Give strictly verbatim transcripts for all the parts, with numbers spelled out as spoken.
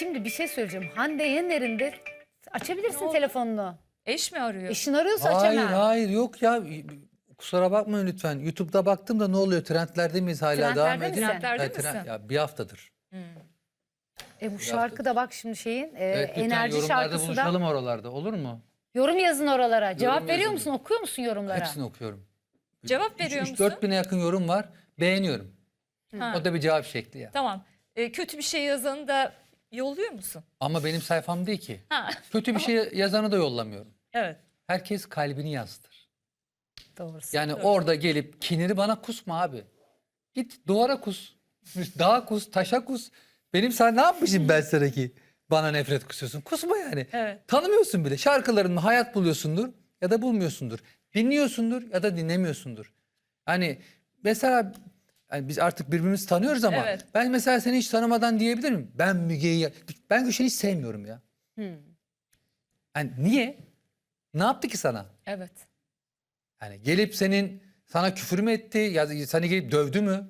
Şimdi bir şey söyleyeceğim. Hande Yener'in de açabilirsin oldu? telefonunu. Eş mi arıyor? Eşin arıyorsa Hayır açamam. hayır yok ya. Kusura bakmayın lütfen. YouTube'da baktım da ne oluyor? Trendlerde miyiz hala? Trendlerde Devam misin? ediyor. Trendlerde Ya, trend- misin? ya bir haftadır. E bu şarkı da bak şimdi şeyin e, Evet, lütfen enerji yorumlarda şarkısı da. buluşalım oralarda. Olur mu? Yorum yazın oralara. Cevap veriyor yazın. musun? Okuyor musun yorumlara? Hepsini okuyorum. Cevap veriyor musun? üç dört bine yakın yorum var. Beğeniyorum. Ha, O da bir cevap şekli ya. Tamam. E, kötü bir şey yazanı da yolluyor musun? Ama benim sayfam değil ki. Ha. Kötü bir şey yazanı da yollamıyorum. Evet. Herkes kalbini yazdır. Doğrusu. Yani orada gelip kinini bana kusma abi. Git duvara kus. Dağa kus, taşa kus. Benim sana ne yapmışım ben sana ki? Bana nefret kusuyorsun. Kusma yani. Evet. Tanımıyorsun bile. Şarkılarını hayat buluyorsundur ya da bulmuyorsundur. Dinliyorsundur ya da dinlemiyorsundur. Hani mesela yani biz artık birbirimizi tanıyoruz ama Evet. ben mesela seni hiç tanımadan diyebilir miyim? Ben Müge'yi, ben Gülşen'i hiç sevmiyorum ya. Yani niye? Ne yaptı ki sana? Evet. Yani gelip senin sana küfür mü etti ya da seni gelip dövdü mü?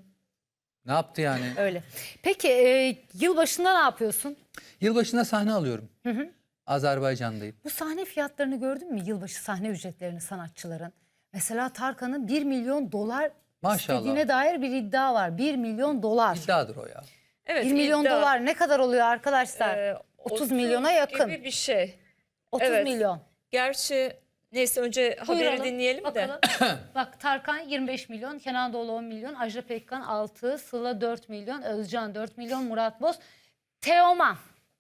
Ne yaptı yani? Öyle. Peki e, yılbaşında ne yapıyorsun? Yılbaşında sahne alıyorum. Azerbaycan'dayım. Bu sahne fiyatlarını gördün mü? Yılbaşı sahne ücretlerini sanatçıların. Mesela Tarkan'ın bir milyon dolar Maşallah. istediğine dair bir iddia var. bir milyon dolar. İddiadır o ya. Evet. bir milyon iddia. dolar ne kadar oluyor arkadaşlar? Ee, otuz milyona yakın. Gibi bir şey. otuz evet. milyon. Gerçi neyse önce haberi Buyuralım, dinleyelim bakalım. de. Bak Tarkan yirmi beş milyon, Kenan Doğulu on milyon, Ajda Pekkan altı, Sıla dört milyon, Özcan dört milyon, Murat Boz. Teoman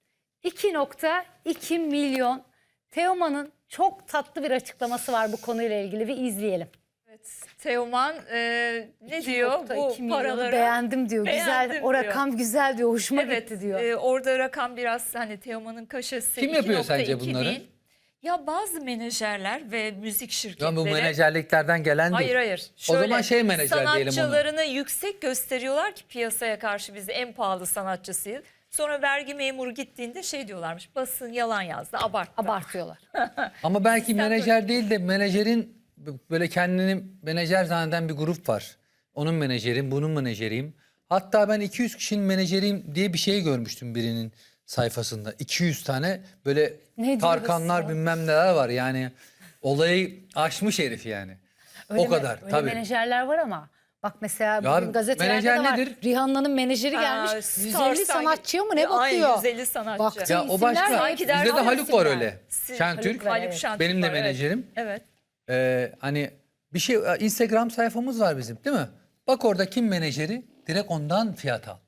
iki nokta iki milyon. Teoman'ın çok tatlı bir açıklaması var bu konuyla ilgili, bir izleyelim. Evet. Teoman e, ne diyor? iki nokta iki Bu milyonu paraları beğendim diyor. Güzel, beğendim o diyor. rakam güzel diyor, hoşuma Evet, gitti diyor. e, orada rakam biraz hani Teoman'ın kaşesi. Kim yapıyor iki nokta sence iki bunları? değil. Ya bazı menajerler ve müzik Ya şirketleri. bu menajerliklerden gelen değil. Hayır hayır. O zaman şey menajer diyelim onu. Sanatçılarını yüksek gösteriyorlar ki piyasaya karşı biz en pahalı sanatçısıyız. Sonra vergi memuru gittiğinde şey diyorlarmış, basın yalan yazdı, abarttı. Abartıyorlar. Ama belki Sistem menajer değil de menajerin böyle kendini menajer zanneden bir grup var. Onun menajerim, bunun menajeriyim. Hatta ben iki yüz kişinin menajeriyim diye bir şey görmüştüm birinin sayfasında. iki yüz tane böyle Ne Tarkanlar diyorsun? bilmem neler var yani. Olayı aşmış herif yani. Öyle o me- kadar öyle tabii. menajerler var ama bak mesela Ya bugün gazetelerde menajer de var. nedir? Rihanna'nın menajeri Ha, gelmiş. Star yüz elli Star- sanatçıya mı ne Ya, bakıyor? Ay, yüz elli sanatçı. Baktı. Ya o İsimler başka. sanki Bizde de dersin Haluk var isimler. öyle. Si- Şentürk. Haluk, Haluk Şentürk Benim de var, evet. menajerim. Evet. Ee, hani bir şey Instagram sayfamız var bizim değil mi? Bak orada kim menajeri direkt ondan fiyat al.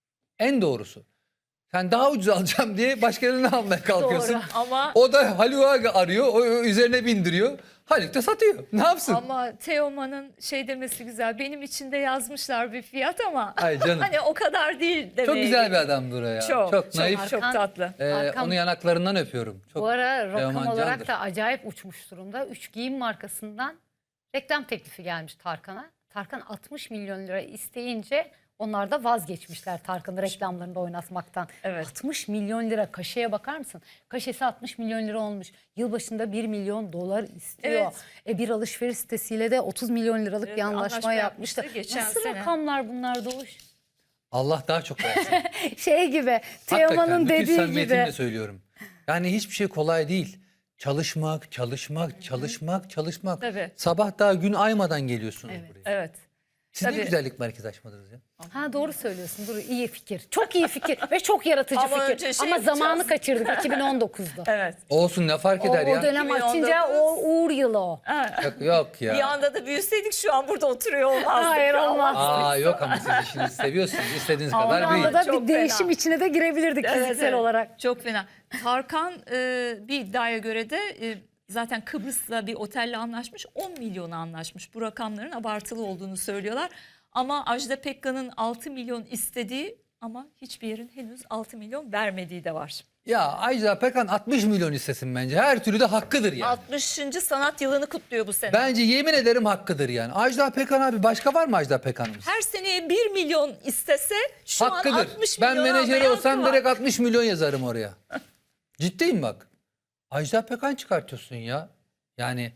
En doğrusu. Sen daha ucuz alacağım diye başkalarını almaya kalkıyorsun. Doğru. Ama O da Haluk'u arıyor, o o üzerine bindiriyor. Haluk da satıyor. Ne yapsın? ama Teoman'ın şey demesi güzel. Benim için de yazmışlar bir fiyat ama Ay canım. hani o kadar değil demeye. Çok güzel bir adamdır o ya. Çok, Çok, çok, naif. çok Arkan- tatlı. Ee, Arkam- onu yanaklarından öpüyorum. Çok Bu ara rakam Teoman olarak candır. da acayip uçmuş durumda. Üç giyim markasından reklam teklifi gelmiş Tarkan'a. Tarkan altmış milyon lira isteyince onlar da vazgeçmişler Tarkan'ı reklamlarında oynatmaktan. Evet. altmış milyon lira kaşeye bakar mısın? Kaşesi altmış milyon lira olmuş. Yılbaşında bir milyon dolar istiyor. Evet. E bir alışveriş sitesiyle de otuz milyon liralık Evet, bir anlaşma, anlaşma yapmıştı. yapmıştı geçen Nasıl sene. rakamlar bunlar Doğuş? Allah daha çok versin. Şey gibi, Hakikaten Teoman'ın bütün dediği samimiyetimle gibi. söylüyorum. Yani hiçbir şey kolay değil. Çalışmak, çalışmak, çalışmak, çalışmak. Tabii. Sabah daha gün aymadan geliyorsunuz Evet. buraya. Evet. Siz ne Tabii. güzellik merkezi açmadınız ya. Ha doğru söylüyorsun. Dur iyi fikir. Çok iyi fikir ve çok yaratıcı Ama fikir. önce şey Ama yapacağız. zamanı kaçırdık iki bin on dokuzda. Evet. Olsun ne fark O, eder o ya. dönem iki bin on açınca dokuz. o uğur yılı o. Ha, Yok, yok ya. bir anda da büyüseydik şu an burada oturuyor olmazdık. Hayır, olmaz. Aa yok ama siz işinizi seviyorsunuz. İstediğiniz Ama kadar Bir büyüyün. anda da Çok bir değişim fena. içine de girebilirdik Evet, fiziksel evet. olarak. Çok fena. Tarkan e, bir iddiaya göre de e, zaten Kıbrıs'la bir otelle anlaşmış. on milyona anlaşmış. Bu rakamların abartılı olduğunu söylüyorlar. Ama Ajda Pekkan'ın altı milyon istediği ama hiçbir yerin henüz altı milyon vermediği de var. Ya Ajda Pekkan altmış milyon istesin bence. Her türlü de hakkıdır yani. altmışıncı sanat yılını kutluyor bu sene. Bence yemin ederim hakkıdır yani. Ajda Pekkan abi başka var mı Ajda Pekkan'ımız? Her seneye bir milyon istese şu an Hakkıdır. altmış Ben milyon menajeri almaya olsam hakkı var. direkt altmış milyon yazarım oraya. Ciddiyim bak. Ajda Pekkan çıkartıyorsun ya. Yani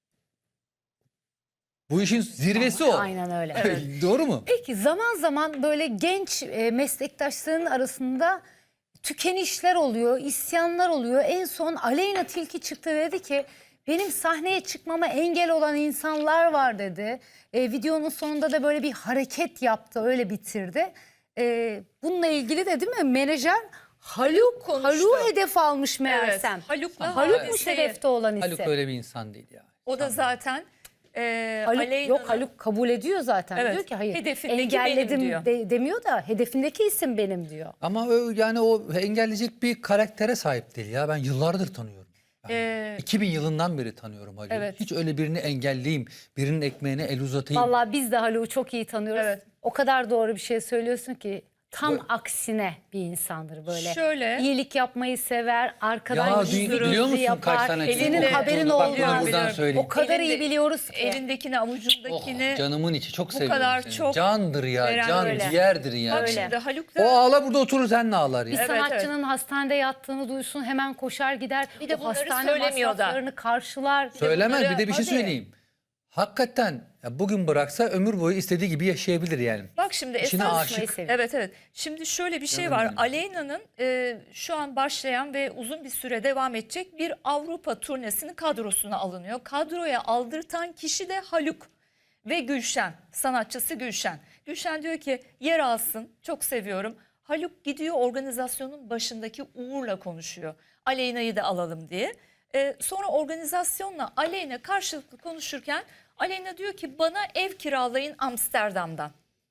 bu işin zirvesi o. Aynen öyle. Doğru mu? Peki zaman zaman böyle genç e, meslektaşların arasında tükenişler oluyor, isyanlar oluyor. En son Aleyna Tilki çıktı, dedi ki benim sahneye çıkmama engel olan insanlar var dedi. E, videonun sonunda da böyle bir hareket yaptı, öyle bitirdi. E, bununla ilgili de değil mi menajer Haluk, konuştu. Haluk hedef almış meğersem. Haluk'la Halukmuş hadiseyi- hedefte olan ise. Haluk öyle bir insan değil ya. O da zaten e, Haluk, Aleyna'nın- yok Haluk kabul ediyor zaten. Evet, Diyor ki hayır hedefindeki engelledim benim diyor. de- demiyor da hedefindeki isim benim diyor. Ama o, yani o engelleyecek bir karaktere sahip değil ya. Ben yıllardır tanıyorum. Yani Ee, iki bin yılından beri tanıyorum Haluk'u. Evet. Hiç öyle birini engelleyeyim, birinin ekmeğine el uzatayım. Vallahi biz de Haluk'u çok iyi tanıyoruz. Evet. O kadar doğru bir şey söylüyorsun ki tam aksine bir insandır böyle. Şöyle- İyilik yapmayı sever, arkadan Ya gizli dü- biliyor gizli musun kaç yapar. tane Elinde- Senin haberin Bak bunu olmaz. buradan Biliyorum. söyleyeyim. O kadar Elinde- iyi biliyoruz ki. elindekini Oh, avucundakini canımın içi çok seviyorum kadar seni. çok Candır ya, veren can öyle. ciğerdir ya. bak Öyle. şimdi Haluk O da ağla burada oturur sen ne ağlar Bir ya. Evet, sanatçının hastanede yattığını duysun, hemen koşar gider. Bir de o bunları hastane söylemiyor da. masraflarını karşılar. Söylemez bunları- bir de bir şey Hadi. söyleyeyim. Hakikaten ya bugün bıraksa ömür boyu istediği gibi yaşayabilir yani. bak şimdi İçine esas aşık. seviyor. evet evet. Şimdi şöyle bir şey Canım var. benim. Aleyna'nın e, şu an başlayan ve uzun bir süre devam edecek bir Avrupa turnesinin kadrosuna alınıyor. Kadroya aldırtan kişi de Haluk ve Gülşen, sanatçısı Gülşen. Gülşen diyor ki yer alsın, çok seviyorum. Haluk gidiyor organizasyonun başındaki Uğur'la konuşuyor. Aleyna'yı da alalım diye. E, sonra organizasyonla Aleyna karşılıklı konuşurken Aleyna diyor ki bana ev kiralayın Amsterdam'dan.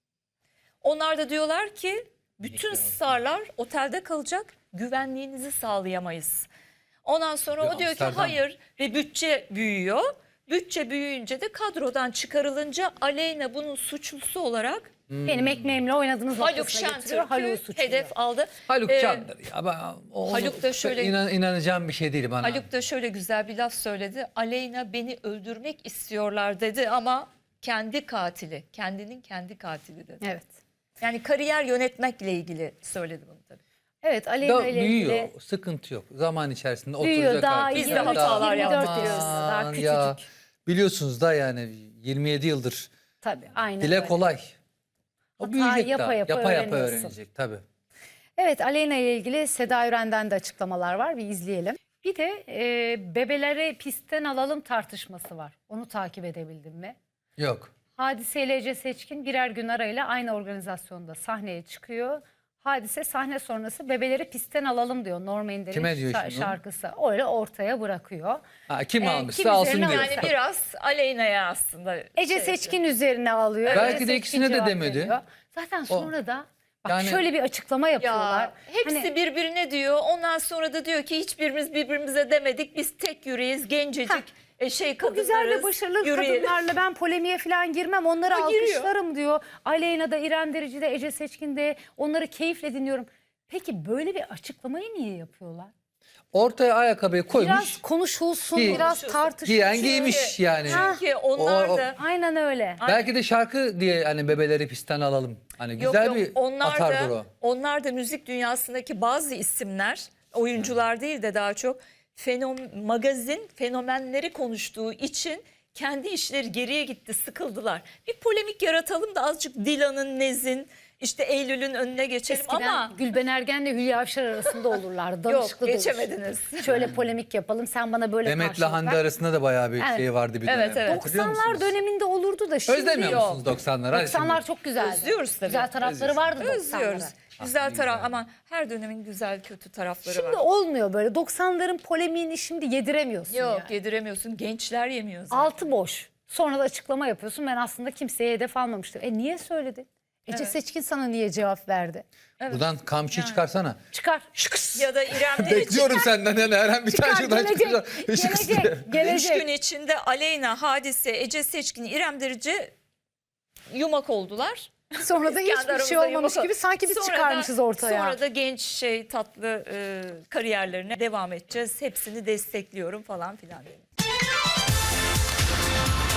Onlar da diyorlar ki bütün starlar otelde kalacak, güvenliğinizi sağlayamayız. Ondan sonra Ya o diyor ki Amsterdam. hayır ve bütçe büyüyor. Bütçe büyüyünce de kadrodan çıkarılınca Aleyna bunun suçlusu olarak Benim ekmeğimle oynadığınız Haluk noktasına getiriyor. Haluk'u Şentürk'ü suçluyor. hedef aldı. Haluk Ee, candır ya. Ben, onu- Haluk da şöyle- inan, inanacağım bir şey değil bana. Haluk da şöyle güzel bir laf söyledi. Aleyna beni öldürmek istiyorlar dedi ama kendi katili, kendinin kendi katili dedi. Evet. Yani kariyer yönetmekle ilgili söyledi bunu tabii. Evet, Aleyna Da ile büyüyor. ilgili Sıkıntı yok. Zaman içerisinde büyüyor. oturacak Daha artık. Biz de yirmi üç, hatalar yirmi dört yaptık. yaşında, daha Aman küçücük. ya. Biliyorsunuz da yani yirmi yedi yıldır. Tabii aynen Dile öyle. kolay. O Hata büyüyecek yapa daha. yapa Yapa yapa öğreniyorsun. öğrenecek tabii. Evet, Aleyna ile ilgili Seda Üren'den de açıklamalar var. Bir izleyelim. Bir de e, bebeleri pistten alalım tartışması var. Onu takip edebildin mi? Yok. Hadise ile Ece Seçkin birer gün arayla aynı organizasyonda sahneye çıkıyor. Hadise sahne sonrası bebeleri pistten alalım diyor. Norm Ender'in Kime diyor şa- şimdi onu? şarkısı. Öyle ortaya bırakıyor. Ha, kim Ee, almışsa kim alsın üzerine diyor. Yani biraz Aleyna'ya aslında. Ece şey Seçkin üzerine alıyor. Belki Ece de Seçkin ikisine de cevap demedi. veriyor. Zaten sonra da bak Yani- şöyle bir açıklama yapıyorlar. Ya hepsi Hani- birbirine diyor. Ondan sonra da diyor ki hiçbirimiz birbirimize demedik. Biz tek yüreğiz, gencecik. Ha. E, şey Bu kadınlarız. güzel ve başarılı yürüyelim. kadınlarla ben polemiğe falan girmem. Onları O giriyor. alkışlarım diyor. Aleyna da, İrem Derici de, Ece Seçkin de, onları keyifle dinliyorum. Peki böyle bir açıklamayı niye yapıyorlar? Ortaya ayakkabıyı koymuş. Biraz konuşulsun, Giy- biraz Konuşulsun. tartışılsın. Giyen giymiş yani. Çünkü onlar O- o- da Aynen öyle. Belki de şarkı diye hani bebeleri pistten alalım. Hani yok güzel yok bir onlar atardır da o. onlar da müzik dünyasındaki bazı isimler, oyuncular değil de daha çok fenom magazin fenomenleri konuştuğu için kendi işleri geriye gitti, sıkıldılar. Bir polemik yaratalım da azıcık Dilan'ın, Nez'in, işte Eylül'ün önüne geçelim Eskiden ama Gülben Ergen'le Hülya Avşar arasında olurlar. Danışıklı yok dövüş. geçemediniz. Şöyle polemik yapalım, sen bana böyle Demet'le karşılık Hande ver. arasında da bayağı bir Evet. şey vardı bir dönem. Evet, evet. Hatırlıyor doksanlar musunuz? döneminde olurdu da şimdi Özlemiyor yok. musunuz doksanları? Hadi doksanlar şimdi. çok güzeldi. Özlüyoruz tabii. Güzel tarafları vardı Özlüyoruz. doksanlara. Güzel ne taraf güzel. ama her dönemin güzel kötü tarafları Şimdi var. olmuyor böyle. doksanların polemiğini şimdi yediremiyorsun. Yok yani. yediremiyorsun. Gençler yemiyor zaten. Altı boş. Sonra da açıklama yapıyorsun. Ben aslında kimseye hedef almamıştım. E niye söyledin? Ece Evet. Seçkin sana niye cevap verdi? Buradan kamçıyı çıkarsana. Çıkar. Şıkıs. Ya da İrem Derici Bekliyorum senden yani her an bir tane Çıkar, şuradan gelecek, çıkacak. gelecek, üç gelecek. gün içinde Aleyna, Hadise, Ece Seçkin, İrem Derici yumak oldular. Sonra da Kendi hiçbir şey aramızda olmamış yumak- gibi sanki biz Sonra da- çıkarmışız ortaya. Sonra da genç şey tatlı e, kariyerlerine devam edeceğiz. Hepsini destekliyorum falan filan dedim.